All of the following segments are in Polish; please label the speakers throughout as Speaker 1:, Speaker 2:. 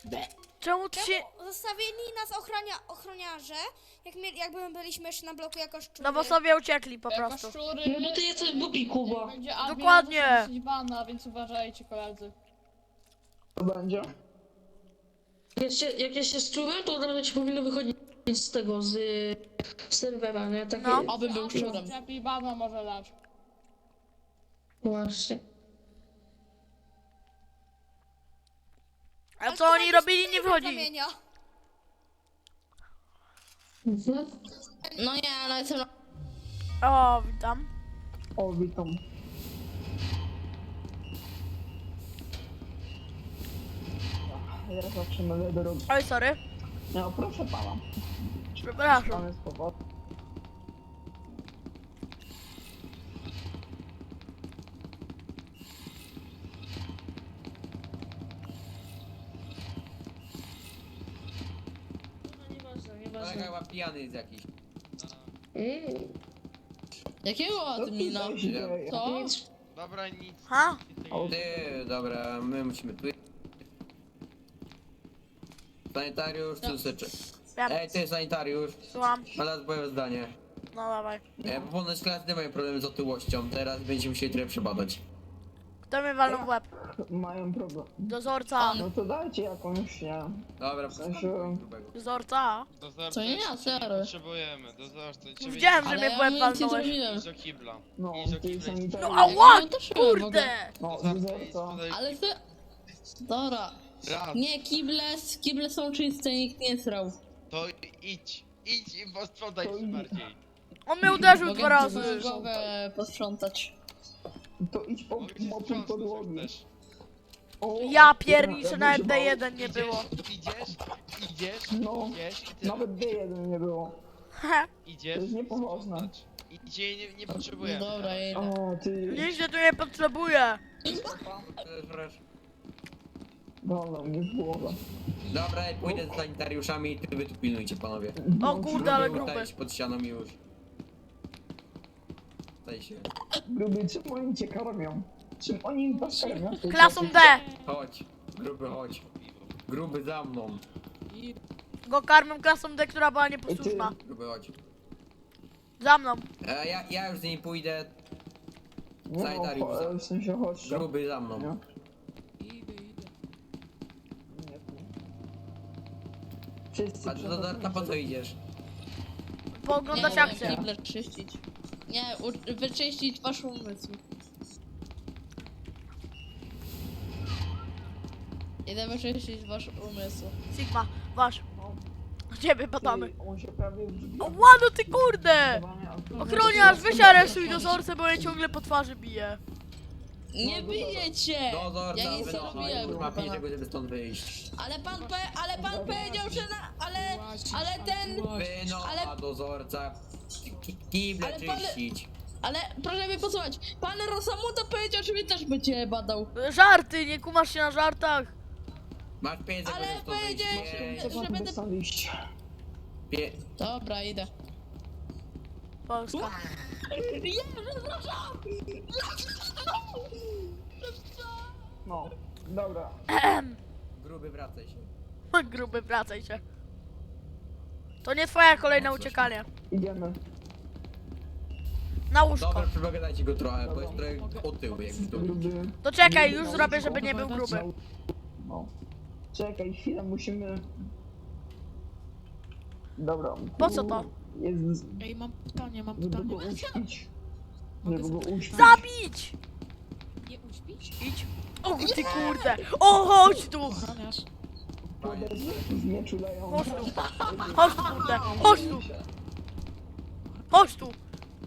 Speaker 1: Czemu ty się...
Speaker 2: Zostawili nas ochroniarze, jakby byliśmy jeszcze na bloku jako szczury.
Speaker 1: No bo sobie uciekli po
Speaker 3: Jako
Speaker 1: prostu.
Speaker 3: szczury,
Speaker 4: No to ty jesteś głupi, Kuba.
Speaker 3: będzie admin,
Speaker 1: Dokładnie.
Speaker 3: może dosyć bana, więc uważajcie, koledzy.
Speaker 5: Co będzie?
Speaker 4: Jak ja się szczurem, to od razu ci powinno wychodzić z tego, z serwera, nie? Takie...
Speaker 1: No.
Speaker 3: Oby był szczurem. Lepiej bana może dać.
Speaker 4: Właśnie.
Speaker 1: A co oni robili, nie wchodzili.
Speaker 2: Kamienia.
Speaker 4: Mhm.
Speaker 3: No nie, no jestem...
Speaker 1: O, witam.
Speaker 5: O, witam. Ja zawsze mówię do rogu.
Speaker 1: Oj, sorry.
Speaker 5: No, proszę pana.
Speaker 1: Przepraszam.
Speaker 5: Pan jest powód.
Speaker 4: No nieważne,
Speaker 6: Kolega
Speaker 4: nieważne.
Speaker 6: chyba pijany jest jakiś.
Speaker 3: Jakiego admina?
Speaker 5: Co tutaj się dzieje?
Speaker 3: Co?
Speaker 4: Nic.
Speaker 7: Dobra, nic.
Speaker 1: Ha?
Speaker 6: Ty, dobra, my musimy tu... Sanitariusz, tu seczy.
Speaker 1: Wiem,
Speaker 6: Ej, ty sanitariusz,
Speaker 1: słucham.
Speaker 6: ale swoje zdanie.
Speaker 1: No dawaj.
Speaker 6: Ponoć klasy nie mają problemy z otyłością, teraz będziemy musieli trochę przebadać.
Speaker 1: Kto mnie walnął w łeb?
Speaker 5: Mają problem.
Speaker 1: Dozorca.
Speaker 5: No to dajcie jakąś, nie
Speaker 6: Dobra,
Speaker 5: sensie-
Speaker 6: grubego.
Speaker 1: Dozorca.
Speaker 7: Dozorca,
Speaker 3: Co nie ja,
Speaker 7: jeszcze cię
Speaker 3: serio?
Speaker 7: potrzebujemy. Dozorca, ciebie
Speaker 1: Widziałem, że
Speaker 3: Ale
Speaker 1: mnie w
Speaker 3: ja
Speaker 1: łeb
Speaker 3: nic nie
Speaker 1: walnąłeś.
Speaker 3: zrobiłem.
Speaker 7: idź do kibla.
Speaker 5: No,
Speaker 7: Idź do
Speaker 5: ty
Speaker 7: kibla.
Speaker 1: No
Speaker 5: sanitariusz.
Speaker 1: ała!
Speaker 3: Ja też byłem w ogóle.
Speaker 1: Kurde!
Speaker 5: No,
Speaker 7: Dozorca, idź
Speaker 5: dozorca.
Speaker 7: podaj.
Speaker 3: Ale ty... Dobra.
Speaker 7: Raz.
Speaker 3: Nie, kible są czyste, nikt nie srał.
Speaker 7: To idź. Idź i posprzątaj
Speaker 5: To
Speaker 7: się
Speaker 5: idź.
Speaker 7: bardziej.
Speaker 1: On mnie uderzył
Speaker 3: Mogę
Speaker 1: 2 razy.
Speaker 3: sobie głowę posprzątać.
Speaker 5: To idź po
Speaker 7: Mogę cię
Speaker 5: mopuj
Speaker 7: sprzątnąć, jak
Speaker 5: podłogi.
Speaker 7: chcesz.
Speaker 5: O,
Speaker 1: Ja
Speaker 5: dobra,
Speaker 1: pierniczę,
Speaker 5: ja
Speaker 1: nawet
Speaker 5: bym się bał.
Speaker 1: D1 nie było.
Speaker 7: Idziesz,
Speaker 5: No,
Speaker 7: idziesz i tyle.
Speaker 5: nawet D1 nie było.
Speaker 7: Idziesz.
Speaker 5: To jest niepoważne.
Speaker 7: sprzątać. I cię nie potrzebujemy.
Speaker 3: Dobra, jedę.
Speaker 5: O, ty.
Speaker 1: Nikt się tu nie potrzebuje.
Speaker 5: Dobra, mnie w głowę.
Speaker 6: Dobra, pójdę z sanitariuszami, ty wy tu pilnujcie, panowie.
Speaker 1: O kurde, ale
Speaker 6: Gruby,
Speaker 1: gruby.
Speaker 6: staj się pod ścianą i już. Staj się.
Speaker 5: Gruby, czym oni cię karmią? Czym oni was karmią?
Speaker 1: Klasą D.
Speaker 6: Chodź, gruby chodź. Gruby za mną.
Speaker 1: Go karmią klasą D, która była nieposłuszna.
Speaker 6: Gruby chodź.
Speaker 1: Za mną.
Speaker 6: Ja już z niej pójdę.
Speaker 5: No,
Speaker 6: Sanitariusz za-
Speaker 5: w sensie chodź.
Speaker 6: Gruby za mną.
Speaker 5: Nie? Wszyscy
Speaker 6: A to po co idziesz?
Speaker 1: Pooglądać
Speaker 3: Nie,
Speaker 1: akcję.
Speaker 3: kible czyścić. Nie, wyczyścić wasz umysł. Idę wyczyścić wasz umysł.
Speaker 1: Sigma, wasz. Ciebie badamy.
Speaker 5: On się prawie wdźwiga.
Speaker 1: O łano ty kurde! Ochroniarz, weź aresuj dozorcę, bo mnie ciągle po twarzy bije.
Speaker 3: Nie bijecie!
Speaker 6: Dozorca,
Speaker 3: Ja nic nie
Speaker 6: wynocha,
Speaker 3: robiłem,
Speaker 6: już ma
Speaker 3: proszę
Speaker 6: 5
Speaker 3: pana.
Speaker 6: sekund, żeby stąd wyjść.
Speaker 3: Ale pan powiedział, że ale ten...
Speaker 6: Wynocha dozorca. Kible
Speaker 3: Ale pan-
Speaker 6: czyścić.
Speaker 3: Ale proszę mnie posłuchać. Pan Rosamuta powiedział, że mnie też będzie badał.
Speaker 1: Żarty, nie kumasz się na żartach.
Speaker 6: Masz 5 sekund,
Speaker 3: Ale
Speaker 6: żeby stąd wyjść.
Speaker 3: powiedziałeś,
Speaker 6: Pięć,
Speaker 3: że będę...
Speaker 5: Stąd iść.
Speaker 3: Dobra, idę.
Speaker 1: Polska.
Speaker 5: No, dobra.
Speaker 6: Gruby, wracaj się.
Speaker 1: Gruby, wracaj się. To nie twoja kolejne uciekanie.
Speaker 5: Idziemy.
Speaker 1: Na łóżko.
Speaker 6: Dobra, przepogadajcie go trochę, bo jest trochę otyły, jakby to
Speaker 5: Gruby.
Speaker 1: To czekaj, już zrobię, żeby nie był gruby.
Speaker 5: No. Czekaj, chwilę, musimy... Dobra.
Speaker 1: Po co to?
Speaker 5: Jest...
Speaker 8: Ej, mam pytanie.
Speaker 5: Żeby go uśpić. Żeby go uśpić.
Speaker 1: Zabić!
Speaker 8: Nie uśpić?
Speaker 1: Idź. O ty kurde. O, chodź tu.
Speaker 8: Ochroniarz.
Speaker 5: W mieczu leją.
Speaker 1: Chodź tu. Chodź tu, kurde. Chodź tu. Chodź tu.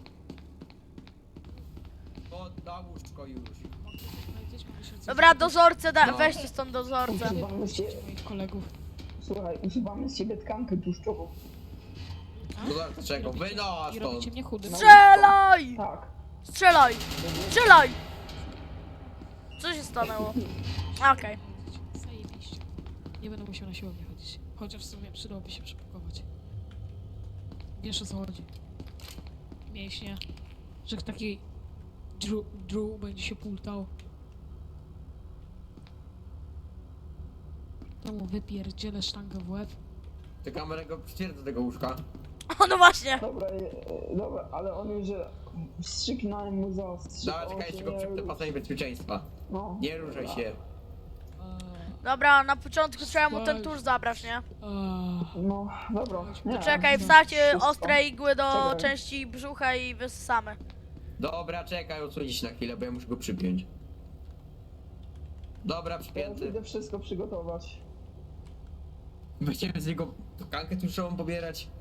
Speaker 6: To na łóżko już.
Speaker 1: Dobra, dozorcę,
Speaker 6: No.
Speaker 1: weźcie stąd dozorcę.
Speaker 5: Usuwamy z ciebie...
Speaker 8: Moich kolegów.
Speaker 5: Słuchaj, usuwamy z ciebie tkankę tłuszczową.
Speaker 6: Dozorca czego? Wynocha
Speaker 8: I robicie
Speaker 6: stąd.
Speaker 8: mnie chudym.
Speaker 1: Strzelaj!
Speaker 5: Tak.
Speaker 1: Strzelaj! Strzelaj! Co się stanęło? Okej.
Speaker 8: Zajebiście. Nie będę musiał na siłownię chodzić. Chociaż w sumie przydałoby się przepakować. Wiesz o co chodzi. Mięśnie. Że taki Drew będzie się pultał. mu wypierdzielę sztangę w łeb.
Speaker 6: Ty kamerę go przycier do tego łóżka.
Speaker 1: O, no właśnie.
Speaker 5: Dobra, dobra, ale on już wstrzyknąłem mu zastrzyk.
Speaker 6: Dobra, czekajcie, go przypnę pasami bezpieczeństwa.
Speaker 5: No.
Speaker 6: Nie ruszaj się.
Speaker 8: Eee,
Speaker 1: Dobra, na początku trzeba mu ten
Speaker 8: Spać.
Speaker 1: tusz zabrać, nie?
Speaker 5: No, dobra. Nie,
Speaker 1: Czekaj,
Speaker 5: no,
Speaker 1: wsadź
Speaker 5: wszystko.
Speaker 1: ostre igły do
Speaker 5: Czekaj.
Speaker 1: części brzucha i wyssamy.
Speaker 6: Dobra, czekaj, odsunię się na chwilę, bo ja muszę go przypiąć. Dobra,
Speaker 5: Ja już
Speaker 6: przypięty.
Speaker 5: idę wszystko przygotować.
Speaker 6: Będziemy z niego tkankę tłuszczową pobierać.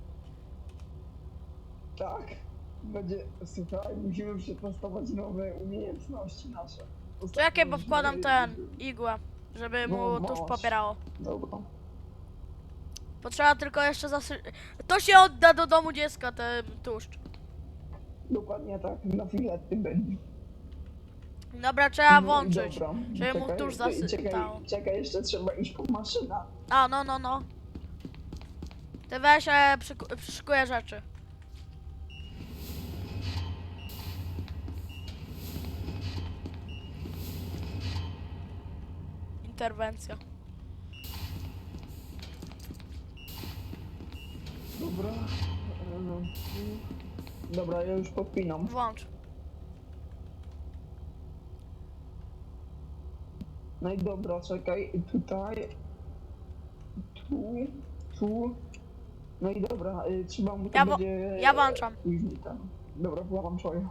Speaker 5: Tak. Będzie, słuchaj, musimy przetestować nowe umiejętności nasze. Ostatnio
Speaker 1: Czekaj, bo
Speaker 5: już
Speaker 1: wkładam
Speaker 5: były-
Speaker 1: ten igłę, żeby
Speaker 5: No,
Speaker 1: mu tusz
Speaker 5: masz.
Speaker 1: pobierało.
Speaker 5: Dobra.
Speaker 1: Potrzeba tylko jeszcze To się odda do domu dziecka, ten tłuszcz.
Speaker 5: Dokładnie tak, na filety będzie.
Speaker 1: Dobra, trzeba
Speaker 5: No i
Speaker 1: włączyć,
Speaker 5: dobra.
Speaker 1: żeby mu tusz zasypał.
Speaker 5: Czekaj, jeszcze trzeba iść po maszynę.
Speaker 1: A, no. Ty weź, przyszykuję rzeczy. Interwencja.
Speaker 5: Dobra. Dobra, ja już podpinam.
Speaker 1: Włącz.
Speaker 5: No i dobra, czekaj, tutaj. Tu. No i dobra, trzeba mu to
Speaker 1: Ja
Speaker 5: będzie...
Speaker 1: ja włączam.
Speaker 5: Później tam. Dobra, włączaj.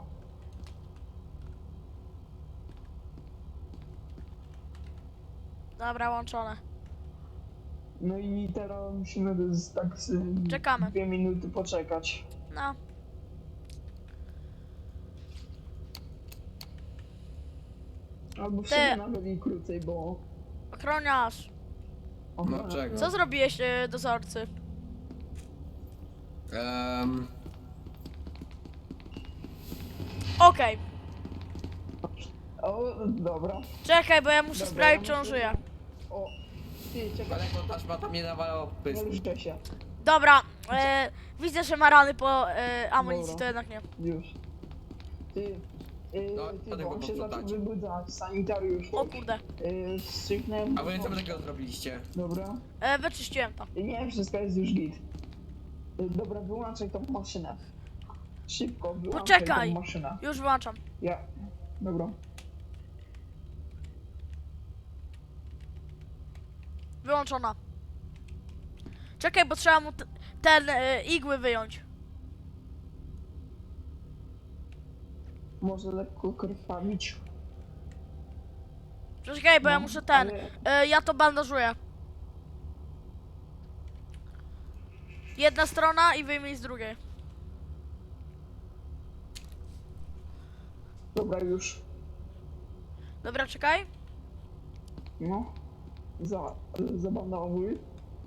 Speaker 1: Dobra, łączone.
Speaker 5: No i teraz musimy tak
Speaker 1: Czekamy.
Speaker 5: 2 minuty poczekać.
Speaker 1: No.
Speaker 5: Albo w
Speaker 1: Ty.
Speaker 5: sumie nawet i krócej, bo...
Speaker 1: Ochroniarz.
Speaker 6: No czego?
Speaker 1: Co zrobiłeś, dozorcy? Okej.
Speaker 5: O, dobra.
Speaker 1: Czekaj, bo ja muszę
Speaker 5: Dobra,
Speaker 1: sprawdzić,
Speaker 5: ja
Speaker 1: czy on
Speaker 5: muszę-
Speaker 1: żyje.
Speaker 5: O, ty, czekaj,
Speaker 6: Kolego, taśma tam nie nawalało w
Speaker 5: nie
Speaker 6: pysk.
Speaker 5: ruszaj się.
Speaker 1: Dobra, widzę, że ma rany po amunicji,
Speaker 5: Dobra.
Speaker 1: to jednak nie.
Speaker 5: Już. Ty,
Speaker 6: No,
Speaker 5: ty,
Speaker 6: potem
Speaker 5: bo
Speaker 6: go
Speaker 5: on się zaczął
Speaker 6: posprzątacie.
Speaker 5: wybudzać, sanitariusz.
Speaker 1: O kurde.
Speaker 5: Wstrzyknąłem.
Speaker 6: A wy co wy takiego zrobiliście?
Speaker 5: Dobra.
Speaker 1: Wyczyściłem to.
Speaker 5: Nie, wszystko jest już git. Dobra, wyłączaj tą maszynę. Szybko, wyłączaj
Speaker 1: Poczekaj.
Speaker 5: tą maszynę.
Speaker 1: Już wyłączam.
Speaker 5: Ja. Dobra.
Speaker 1: Wyłączona. Czekaj, bo trzeba mu ten igły wyjąć.
Speaker 5: Może lekko krwawić.
Speaker 1: Czekaj, bo ja
Speaker 5: No,
Speaker 1: muszę ten.
Speaker 5: ale-
Speaker 1: Ja to bandażuję. Jedna strona i wyjmij z drugiej.
Speaker 5: Dobra, już.
Speaker 1: Dobra, czekaj.
Speaker 5: No. Zabandowuj.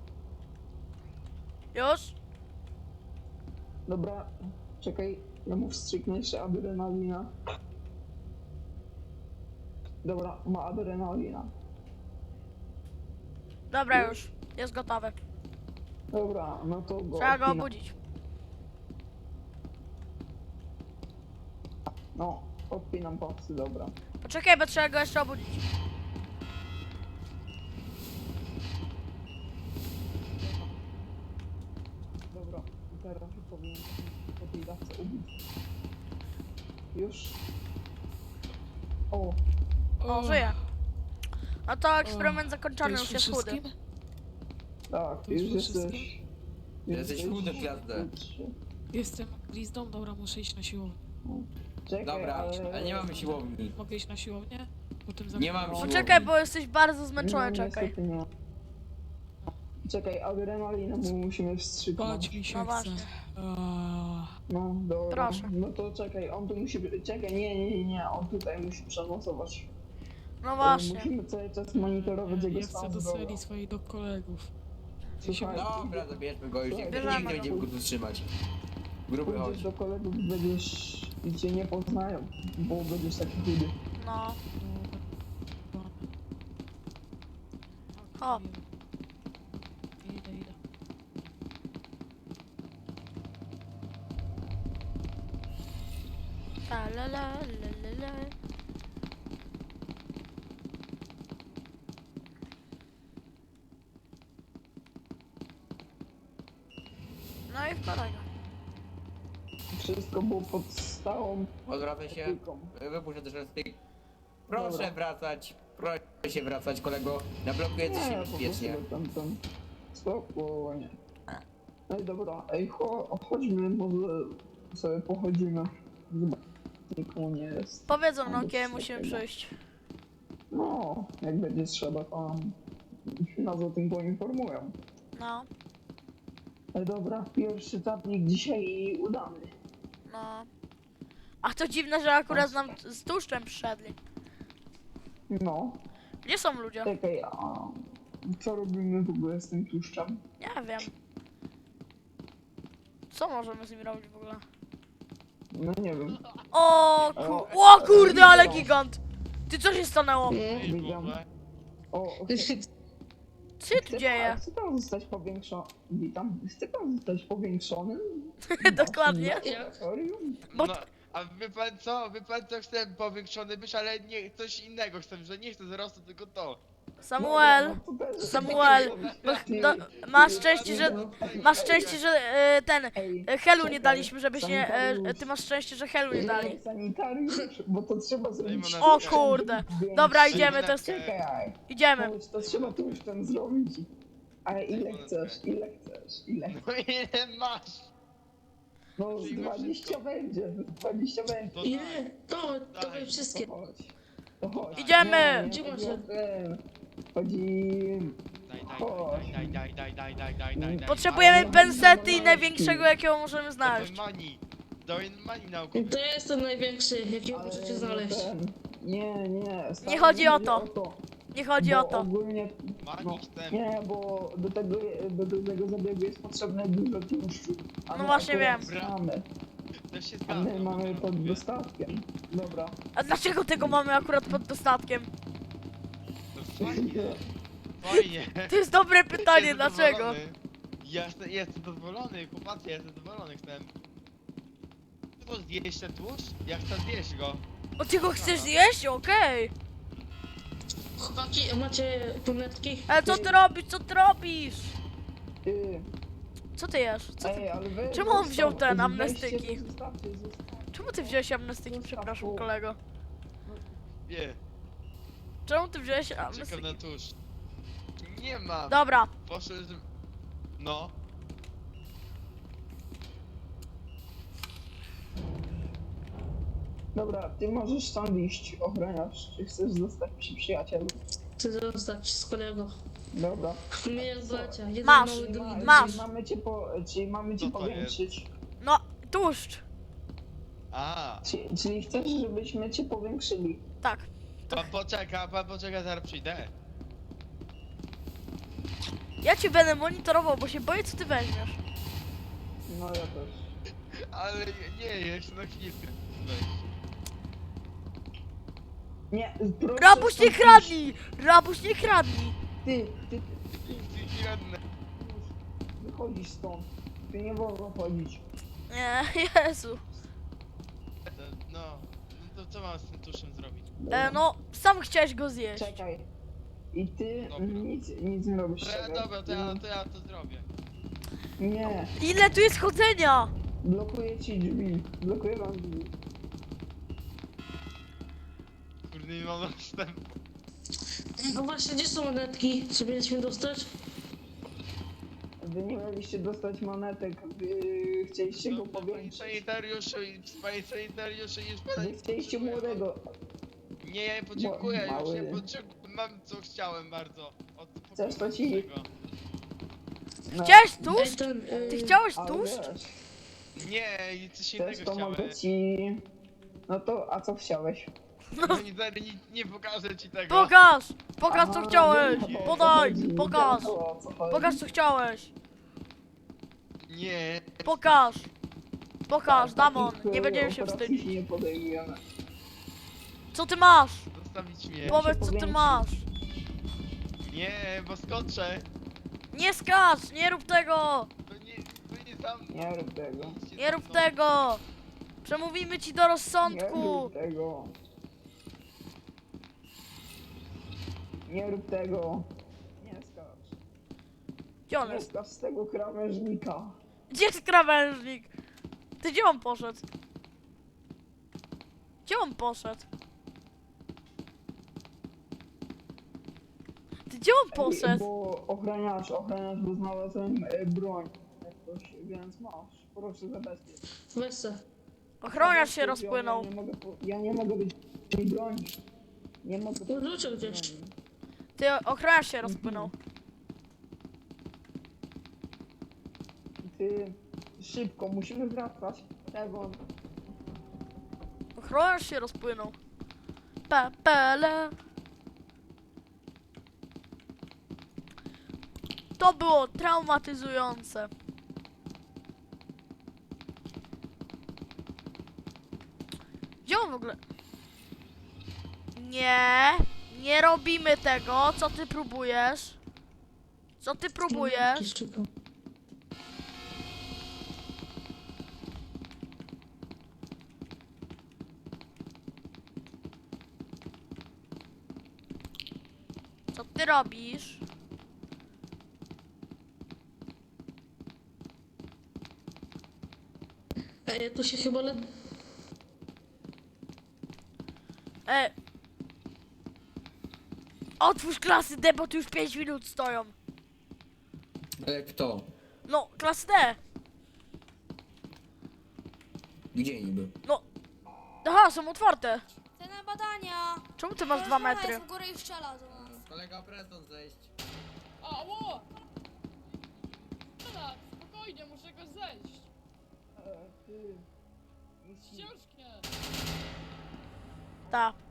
Speaker 1: Już.
Speaker 5: Dobra, czekaj, ja mu wstrzyknę jeszcze adrenalina. Dobra, ma adrenalina.
Speaker 1: Dobra, już. Jest gotowy.
Speaker 5: Dobra, no to go
Speaker 1: Trzeba go
Speaker 5: odpinam.
Speaker 1: obudzić.
Speaker 5: No, odpinam pasy, dobra.
Speaker 1: Poczekaj, bo trzeba go jeszcze obudzić.
Speaker 5: Dobra, i teraz już powinien po tej dawce ubić. Już. O,
Speaker 1: O, żyje. No to eksperyment zakończony,
Speaker 8: To
Speaker 1: już
Speaker 8: już
Speaker 1: jest chudy.
Speaker 8: wszystkim?
Speaker 5: tak,
Speaker 8: To już
Speaker 5: już
Speaker 8: po
Speaker 5: jesteś...
Speaker 8: wszystkim?
Speaker 6: Jesteś chudy, gwiazdę.
Speaker 8: Jestem glizdą, dobra, muszę iść na siłownię.
Speaker 5: Czekaj,
Speaker 6: Dobra, ale nie mamy siłowni.
Speaker 8: Mogę iść na siłownię? Potem
Speaker 6: Nie mam
Speaker 8: zamknę-
Speaker 6: siłowni.
Speaker 1: Poczekaj, bo jesteś bardzo
Speaker 5: No,
Speaker 1: zmęczony, czekaj.
Speaker 5: niestety nie. Czekaj, adrenalinę mu musimy wstrzyknąć.
Speaker 8: Spać mi się
Speaker 1: No
Speaker 8: chce.
Speaker 1: właśnie.
Speaker 5: No, dobra.
Speaker 1: Proszę.
Speaker 5: No to czekaj, on tu musi... Czekaj, nie, on tutaj musi przenocować.
Speaker 1: No właśnie.
Speaker 5: Musimy cały czas monitorować jego
Speaker 8: Ja chcę
Speaker 5: stan
Speaker 8: do
Speaker 5: zdrowia.
Speaker 8: celi swoich do kolegów.
Speaker 5: Słuchaj,
Speaker 6: Dobra, zabierzmy go, już nikt
Speaker 1: Bierzemy
Speaker 6: nie będzie
Speaker 1: go.
Speaker 6: mógł tu trzymać. Gruby chodź.
Speaker 5: pójdziesz do kolegów, będziesz... i cię nie poznają, bo będziesz taki chudy.
Speaker 1: No.
Speaker 8: O.
Speaker 1: O.
Speaker 8: Idę.
Speaker 1: Ta la la la la la. No i wkładaj go.
Speaker 5: Wszystko było pod stałą
Speaker 6: Odwracaj się.
Speaker 5: opieką.
Speaker 6: Wypuszczę też styk. Proszę
Speaker 5: Dobra.
Speaker 6: wracać. Proszę się wracać, kolego. Na bloku jest
Speaker 5: Nie,
Speaker 6: się
Speaker 5: po prostu
Speaker 6: bezpiecznie.
Speaker 5: tam. Spokojnie. Ej, dobra, ej, chodźmy, może sobie pochodzimy. Zobacz, nikomu nie jest.
Speaker 1: Powiedzą nam,
Speaker 5: Bez
Speaker 1: kiedy musimy
Speaker 5: takiego.
Speaker 1: przyjść.
Speaker 5: No, jak będzie trzeba, to nas o tym poinformują.
Speaker 1: No,
Speaker 5: Ej, dobra, pierwszy tapnik dzisiaj udany.
Speaker 1: no. A to dziwne, że akurat nam z tłuszczem przyszedli.
Speaker 5: No,
Speaker 1: Gdzie są ludzie?
Speaker 5: czekaj, a co robimy w ogóle z tym tłuszczem?
Speaker 1: Nie wiem. Co możemy z nim robić w ogóle?
Speaker 5: No nie wiem.
Speaker 1: O kurde, ale gigant! Ty, co się stanęło?
Speaker 7: Ej,
Speaker 5: widziałem.
Speaker 7: Boże.
Speaker 5: O,
Speaker 1: Co się tu dzieje?
Speaker 5: Chce pan zostać powiększony? Witam. Chce pan zostać powiększonym?
Speaker 1: Dokładnie.
Speaker 5: Laboratorium?
Speaker 1: Bo-
Speaker 7: No, a wie pan co? Wie pan co? Chcę powiększony być, ale nie coś innego chcę, że nie chcę wzrostu, tylko to.
Speaker 1: Samuel,
Speaker 5: No, to też-
Speaker 1: Samuel, bo masz szczęście, że ten
Speaker 5: Ej,
Speaker 1: Helu nie
Speaker 5: czekaj,
Speaker 1: daliśmy, żebyś nie.
Speaker 5: sanitariusz.
Speaker 1: Ty masz szczęście, że Helu nie dali.
Speaker 5: Sanitariusz, bo to trzeba zrobić.
Speaker 7: Dajmy
Speaker 1: O
Speaker 7: na-
Speaker 1: kurde.
Speaker 5: Więcej.
Speaker 1: Dobra, idziemy, to jest.
Speaker 5: Czekaj,
Speaker 1: Idziemy.
Speaker 5: chodź, to trzeba tu już ten zrobić. Ale ile chcesz, ile chcesz, ile?
Speaker 7: No ile masz?
Speaker 5: No z
Speaker 7: Przyjmę
Speaker 5: 20
Speaker 7: wszystko.
Speaker 5: będzie, 20 będzie.
Speaker 7: To
Speaker 4: Ile?
Speaker 7: tak.
Speaker 4: To,
Speaker 7: Daj.
Speaker 4: dawaj wszystkie.
Speaker 5: To chodź. To chodź.
Speaker 1: Idziemy.
Speaker 5: Nie,
Speaker 4: Gdzie
Speaker 5: nie,
Speaker 4: masz?
Speaker 5: chodzi o ten. Chodzi...
Speaker 7: Daj.
Speaker 1: Potrzebujemy
Speaker 5: Ale-
Speaker 1: pensety i największego, jakiego możemy znaleźć.
Speaker 7: Daj money naukowy.
Speaker 4: To ja jestem największy, jakiego
Speaker 5: ale
Speaker 4: możecie
Speaker 5: no
Speaker 4: znaleźć.
Speaker 5: ten- Nie, stary,
Speaker 1: Nie chodzi o to. Nie chodzi
Speaker 5: Bo
Speaker 1: o to.
Speaker 5: Ogólnie, no,
Speaker 7: Money chcę.
Speaker 5: nie, bo do tego zabiegu jest potrzebne dużo tłuszczu. A
Speaker 1: No
Speaker 5: my
Speaker 1: właśnie
Speaker 5: akurat
Speaker 7: wiem.
Speaker 5: Mamy,
Speaker 7: Też się
Speaker 5: a
Speaker 7: zgadzam.
Speaker 5: my mamy
Speaker 7: bo
Speaker 5: pod
Speaker 7: lubię.
Speaker 5: dostatkiem. Dobra.
Speaker 1: A dlaczego tego mamy akurat pod dostatkiem?
Speaker 7: No fajnie. Fajnie.
Speaker 1: To jest dobre pytanie,
Speaker 7: Jestem
Speaker 1: dlaczego?
Speaker 7: zadowolony. Jestem zadowolony, chłopacy, jestem zadowolony, chcę. Chcę to zjeść ten tłuszcz? Ja chcę zjeść go.
Speaker 1: O, ty go chcesz zjeść? Okej.
Speaker 4: Chłopaki, macie brunetki?
Speaker 1: Ale co ty robisz? Co ty robisz?
Speaker 5: Ty,
Speaker 1: Co ty jesz? Co ty...
Speaker 5: ej, ale wy...
Speaker 1: Czemu on wziął
Speaker 5: zostaw-
Speaker 1: ten
Speaker 5: weźcie
Speaker 1: amnestyki?
Speaker 5: to, zostawcie.
Speaker 1: Czemu ty wziąłeś amnestyki? Przepraszam, kolego.
Speaker 7: Nie,
Speaker 1: Czemu ty wziąłeś
Speaker 7: czekam
Speaker 1: amnestyki?
Speaker 7: na tłuszcz. Nie mam.
Speaker 1: Dobra,
Speaker 7: Poszedł... No.
Speaker 5: Dobra, ty możesz tam iść, ochroniarz. Czy chcesz zostać przy przyjacielu?
Speaker 4: Chcę zostać z kolego.
Speaker 5: Dobra.
Speaker 4: My jak bracia, jeden
Speaker 1: Masz.
Speaker 4: mały, drugi duży.
Speaker 1: Masz.
Speaker 5: Czyli mamy cię
Speaker 7: Co to
Speaker 5: powiększyć.
Speaker 1: no, tłuszcz.
Speaker 7: A.
Speaker 5: Czyli chcesz, żebyśmy cię powiększyli?
Speaker 1: Tak.
Speaker 7: Pan poczeka, zaraz przyjdę.
Speaker 1: Ja cię będę monitorował, bo się boję, co ty weźmiesz.
Speaker 5: No ja też.
Speaker 7: Ale nie, jeszcze na chwilkę. Weź.
Speaker 5: Nie, proszę
Speaker 1: Rabuś, nie
Speaker 5: stąd
Speaker 1: kradnij! Rabuś, nie kradnij!
Speaker 5: iść. Ty,
Speaker 7: Ty jedne.
Speaker 5: wychodzisz stąd. Ty nie wolno chodzić.
Speaker 1: Nie, Jezu.
Speaker 7: No to co mam z tym tuszem zrobić?
Speaker 1: No, sam chciałeś go zjeść.
Speaker 5: Czekaj. I ty
Speaker 7: Dobra.
Speaker 5: nic nie robisz. czekaj.
Speaker 7: Dobra, to ja to zrobię.
Speaker 5: Nie,
Speaker 1: Ile tu jest chodzenia?
Speaker 5: blokuję ci drzwi. Blokuję wam drzwi.
Speaker 7: Kurde, nie mam dostępu.
Speaker 4: No właśnie, gdzie są monetki? Czy mieliśmy dostać?
Speaker 5: Wy nie mieliście dostać monetek, wy chcieliście go
Speaker 7: Panie
Speaker 5: powiększyć.
Speaker 7: sanitariuszu, już pana
Speaker 5: Wy chcieliście młodego.
Speaker 7: Nie, ja podziękuję, już
Speaker 5: Mały.
Speaker 7: nie podziękuję. Mam co chciałem bardzo. Od
Speaker 5: Chcesz, to ci-
Speaker 7: tego.
Speaker 5: No,
Speaker 1: Chciałeś
Speaker 4: Ej,
Speaker 1: tłuszcz?
Speaker 4: ten,
Speaker 1: Ty chciałeś
Speaker 5: ale
Speaker 1: tłuszcz?
Speaker 5: wiesz,
Speaker 7: Nie, i coś
Speaker 5: Chcesz,
Speaker 7: innego
Speaker 5: to
Speaker 7: chciałem.
Speaker 5: mogę ci... No to, a co chciałeś?
Speaker 7: No nie pokażę ci tego.
Speaker 1: Pokaż! Pokaż, co
Speaker 5: Aha,
Speaker 1: chciałeś!
Speaker 5: wiem, o co
Speaker 1: Podaj!
Speaker 5: chodzi,
Speaker 1: Pokaż!
Speaker 5: wiem, o co chodzi.
Speaker 1: Pokaż, co chciałeś!
Speaker 7: Nie.
Speaker 1: Pokaż! Pokaż, Damon!
Speaker 5: Takich,
Speaker 1: Nie będziemy się
Speaker 5: operacji
Speaker 1: wstydzić.
Speaker 5: nie podejmujemy.
Speaker 1: Co ty masz?
Speaker 7: Zostawić mnie.
Speaker 1: Powiedz, co ty
Speaker 5: powiększyć.
Speaker 1: masz!
Speaker 7: Nie, bo skoczę.
Speaker 1: Nie skacz! Nie rób tego!
Speaker 7: To nie tam.
Speaker 5: Nie rób tego.
Speaker 1: Nie rób tego! Przemówimy ci do
Speaker 5: Nie
Speaker 1: rozsądku!
Speaker 5: rób tego. Nie rób tego. Nie skacz.
Speaker 1: Gdzie on
Speaker 5: Nie
Speaker 1: jest?
Speaker 5: skacz z tego krawężnika.
Speaker 1: Gdzie jest krawężnik? Ty gdzie on poszedł? Gdzie on poszedł? Ty gdzie on poszedł?
Speaker 5: Bo ochraniacz, bo znalazłem broń. Jakoś, więc masz. Proszę zabezpiecz.
Speaker 4: Weź se.
Speaker 1: Ochroniarz się rozpłynął.
Speaker 5: Ja nie mogę być tej broni. Nie mogę
Speaker 4: No dlaczego gdzieś?
Speaker 5: broni.
Speaker 1: Ty, ochroniarz się rozpłynął.
Speaker 5: Ty, szybko, musimy wracać. Tego.
Speaker 1: Ochroniarz się rozpłynął. Pepele. To było traumatyzujące. Gdzie on w ogóle? Nie, nie robimy tego. Co ty próbujesz? Co ty próbujesz?
Speaker 4: Szczypał.
Speaker 1: Co ty robisz?
Speaker 4: Ej, ja tu się chyba
Speaker 1: E. Otwórz klasy D, bo tu już 5 minut stoją.
Speaker 6: Ale kto?
Speaker 1: No, klasy D.
Speaker 6: Gdzie niby?
Speaker 1: No. Aha, są otwarte.
Speaker 2: Te na badania.
Speaker 1: Czemu ty masz 2 metry?
Speaker 2: Jest w górę i strzela do nas.
Speaker 6: Kolega Preston zejść.
Speaker 8: Ało! Teraz, spokojnie, muszę go zejść.
Speaker 5: Ty.
Speaker 8: Ścieżkę.
Speaker 1: Ta.